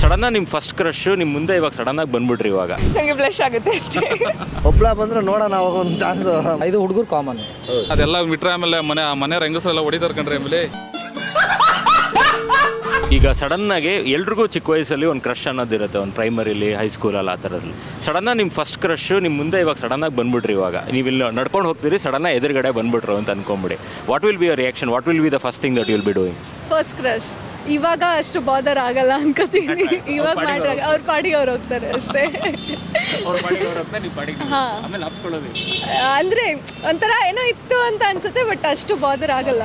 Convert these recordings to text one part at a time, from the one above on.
ಸಡನ್ನಾಗಿ ನಿಮ್ಮ first crush ನಿಮ್ಮ ಮುಂದೆ ಇವಾಗ ಸಡನ್ನಾಗಿ ಬಂದ್ಬಿಟ್ರಿ ಇವಾಗ ನನಗೆ ಬ್ಲಶ್ ಆಗುತ್ತೆ ಅಷ್ಟೇ. ಒಬ್ಳ ಬಂದ್ರೆ ನೋಡೋಣ ಅವಾಗ ಒಂದು ಚಾನ್ಸ್. ಇದು ಹುಡುಗರು ಕಾಮನ್. ಅದೆಲ್ಲ ಬಿಟ್ರೆ ಆಮೇಲೆ ಮನೆ ಹೆಂಗಸರೆಲ್ಲ ಹೊಡಿತಾರೆ ಕಣ್ರಿ ಆಮೇಲೆ. ಈಗ ಸಡನ್ನಾಗಿ ಎಲ್ರಿಗೂ ಚಿಕ್ಕ ವಯಸ್ಸಲ್ಲಿ ಒಂದು ಕ್ರಶ್ ಅನ್ನೋದಿರುತ್ತೆ, ಒಂದು ಪ್ರೈಮರಿಲಿ ಹೈಸ್ಕೂಲಲ್ಲಿ ಆ ಥರದಲ್ಲಿ. ಸಡನ್ನಾಗಿ ನಿಮ್ಮ ಫಸ್ಟ್ ಕ್ರಶ್ ನಿಮ್ಮ ಮುಂದೆ ಇವಾಗ ಸಡನ್ನಾಗಿ ಬಂದ್ಬಿಟ್ರಿ ಇವಾಗ ನೀವು ಇಲ್ಲಿ ನಡ್ಕೊಂಡು ಹೋಗ್ತೀರಿ, ಸಡನ್ನಾಗಿ ಎದುರುಗಡೆ ಬಂದ್ಬಿಟ್ರು ಅಂತ ಅನ್ಕೊಂಬಿಡಿ. What will be your reaction? What will be the first thing that will be doing? First crush ಇವಾಗ ಅಷ್ಟು ಬಾದರ್ ಆಗಲ್ಲ ಅನ್ಕೋತೀನಿ. ಇವಾಗ ಮಾಡ್ರಾಗ ಅವ್ರ ಪಾಡಿಗೆ ಅವ್ರು ಹೋಗ್ತಾರೆ ಅಷ್ಟೇ. ಅಂದರೆ ಒಂಥರ ಏನೋ ಇತ್ತು ಅಂತ ಅನ್ಸುತ್ತೆ, ಬಟ್ ಅಷ್ಟು ಬಾದರ್ ಆಗಲ್ಲ.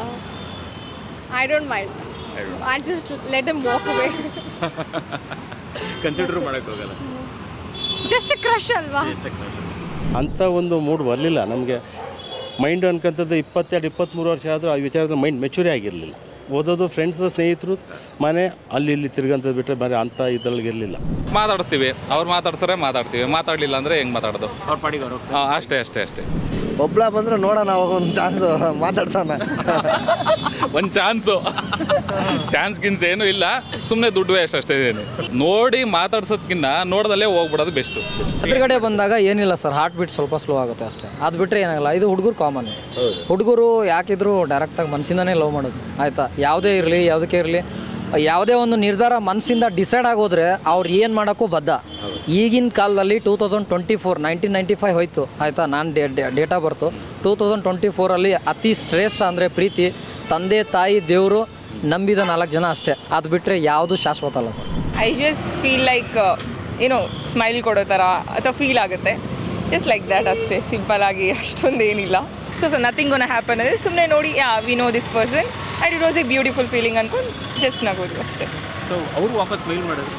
I don't mind. I just let him walk away. Consider ಮಾಡೋಕ್ಕೆ ಹೋಗಲ್ಲ, ಜಸ್ಟ್ ಕ್ರಶ್ ಅಲ್ವಾ? ಅಂಥ ಒಂದು ಮೂಡ್ ಬರಲಿಲ್ಲ ನಮಗೆ. ಮೈಂಡ್ ಅನ್ಕೊಂಥದ್ದು 22-23 ವರ್ಷ ಆದರೂ ಆ ವಿಚಾರದ ಮೈಂಡ್ ಮೆಚೂರಿ ಆಗಿರಲಿಲ್ಲ. ಓದೋದು, ಫ್ರೆಂಡ್ಸು, ಸ್ನೇಹಿತರು, ಮನೆ ಅಲ್ಲಿ ಇಲ್ಲಿ ತಿರ್ಗಂಥದ್ದು ಬಿಟ್ಟರೆ ಬೇರೆ ಅಂಥ ಇದರೊಳಗೆ ಇರಲಿಲ್ಲ. ಮಾತಾಡಿಸ್ತೀವಿ, ಅವ್ರು ಮಾತಾಡ್ಸರೆ ಮಾತಾಡ್ತೀವಿ, ಮಾತಾಡಲಿಲ್ಲ ಅಂದರೆ ಹೆಂಗೆ ಮಾತಾಡೋದು? ಅವ್ರ ಪಾಡಿಗೆ ಅವರು. ಅಷ್ಟೇ. ಒಬ್ಳ ಬಂದ್ರೆ ನೋಡೋಣ ಅವಾಗ ಒಂದು ಚಾನ್ಸ್, ಮಾತಾಡ್ಸೋಣ. ಒಂದು ಚಾನ್ಸ್ ಗಿನ್ಸ್ ಏನೂ ಇಲ್ಲ, ಸುಮ್ಮನೆ ದುಡ್ಡು ವೇಸ್ಟ್ ಅಷ್ಟೇ. ನೋಡಿ ಮಾತಾಡ್ಸೋದ್ಕಿಂತ ನೋಡ್ದಲ್ಲೇ ಹೋಗ್ಬಿಡೋದು ಬೆಸ್ಟು. ಎದುರುಗಡೆ ಬಂದಾಗ ಏನಿಲ್ಲ ಸರ್, ಹಾರ್ಟ್ ಬೀಟ್ ಸ್ವಲ್ಪ ಸ್ಲೋ ಆಗುತ್ತೆ ಅಷ್ಟೇ. ಅದು ಬಿಟ್ಟರೆ ಏನಾಗಲ್ಲ. ಇದು ಹುಡುಗರು ಕಾಮನ್. ಹುಡುಗರು ಯಾಕಿದ್ರು ಡೈರೆಕ್ಟಾಗಿ ಮನಸ್ಸಿಂದನೇ ಲವ್ ಮಾಡೋದು, ಆಯಿತಾ? ಯಾವುದೇ ಇರಲಿ, ಯಾವುದಕ್ಕೆ ಇರಲಿ, ಯಾವುದೇ ಒಂದು ನಿರ್ಧಾರ ಮನಸ್ಸಿಂದ ಡಿಸೈಡ್ ಆಗೋದ್ರೆ ಅವ್ರು ಏನು ಮಾಡೋಕ್ಕೂ ಬದ್ಧ. ಈಗಿನ ಕಾಲದಲ್ಲಿ 2024 1995 ಹೋಯ್ತು, ಆಯಿತಾ? ನಾನು ಡೇಟಾ ಬರ್ತು 2024 ಅತಿ ಶ್ರೇಷ್ಠ ಅಂದರೆ ಪ್ರೀತಿ, ತಂದೆ ತಾಯಿ ದೇವರು, ನಂಬಿದ 4 ಜನ ಅಷ್ಟೇ. ಅದು ಬಿಟ್ಟರೆ ಯಾವುದು ಶಾಶ್ವತ ಅಲ್ಲ sir. I just feel like ಏನೋ ಸ್ಮೈಲ್ ಕೊಡೋ ಥರ ಅಥವಾ ಫೀಲ್ ಆಗುತ್ತೆ, ಜಸ್ಟ್ ಲೈಕ್ ದ್ಯಾಟ್ ಅಷ್ಟೇ. ಸಿಂಪಲ್ ಆಗಿ ಅಷ್ಟೊಂದು ಏನಿಲ್ಲ. ಸೊ ನಥಿಂಗ್ ಗೋನ ಹ್ಯಾಪನ್ ಅಂದರೆ ಸುಮ್ಮನೆ ನೋಡಿ, we know this person and it was a beautiful feeling ಅನ್ಕೊಂಡು ಜಸ್ಟ್ ನಗೋದು ಅಷ್ಟೇ. ಸೊ ಅವರು ವಾಪಸ್ ಸ್ಮೈಲ್ ಮಾಡೋದು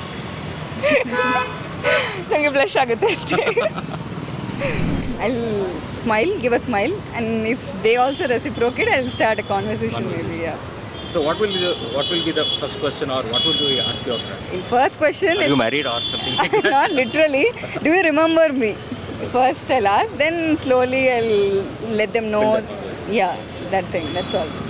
ನನಗೆ ಬ್ಲಶ್ ಆಗುತ್ತೆ ಅಷ್ಟೇ. I'll smile, give a smile, and if they also reciprocate, I'll start a conversation maybe. Yeah. So what will be the first question, or what will you ask your friend? First question. Are you married or something? Not literally. Do you remember me? First I'll ask, then slowly I'll let them know. Yeah, that thing. That's all.